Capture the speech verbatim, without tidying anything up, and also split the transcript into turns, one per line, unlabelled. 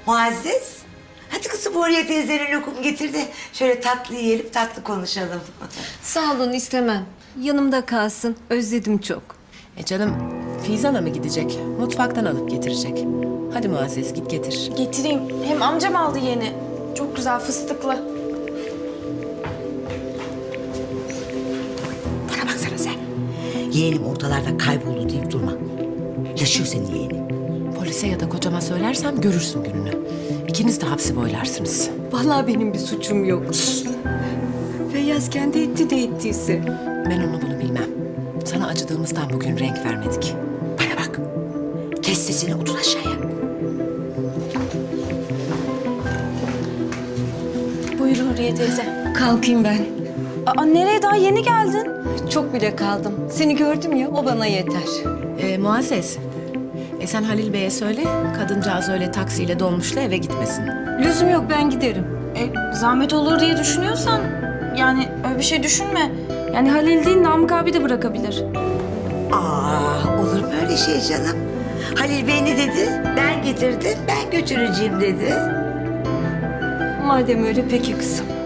Muazzez, hadi kızım Huriye teyzenin lokum getir de şöyle tatlı yiyelim, tatlı konuşalım.
Sağ olun, istemem. Yanımda kalsın. Özledim çok.
E canım, Fizan'a mı gidecek? Mutfaktan alıp getirecek. Hadi Muazzez git getir.
Getireyim. Hem amcam aldı yeni. Çok güzel fıstıklı.
Bana baksana sen. Yeğenim ortalarda kayboldu deyip durma. Yaşıyor senin yeğenin.
Polise ya da kocama söylersem görürsün gününü. İkiniz de hapsi boylarsınız.
Vallahi benim bir suçum yok. Feyyaz kendi etti de ettiyse.
Ben onu bunu bilmem. Sana acıdığımızdan bugün renk vermedik.
Bana bak. Kes sesini, otur aşağıya.
Buyur Huriye teyze.
Kalkayım ben.
Aa, nereye? Daha yeni geldin.
Çok bile kaldım. Seni gördüm ya, o bana yeter.
E, Muazzez, e sen Halil Bey'e söyle, kadıncağız öyle taksiyle dolmuşla eve gitmesin.
Lüzum yok, ben giderim.
E, zahmet olur diye düşünüyorsan... Yani öyle bir şey düşünme. Yani Halil değil, Namık abi de bırakabilir.
Aa, olur mu öyle şey canım? Halil Bey ne dedi? Ben getirdim, ben götüreceğim dedi.
Madem öyle peki kızım.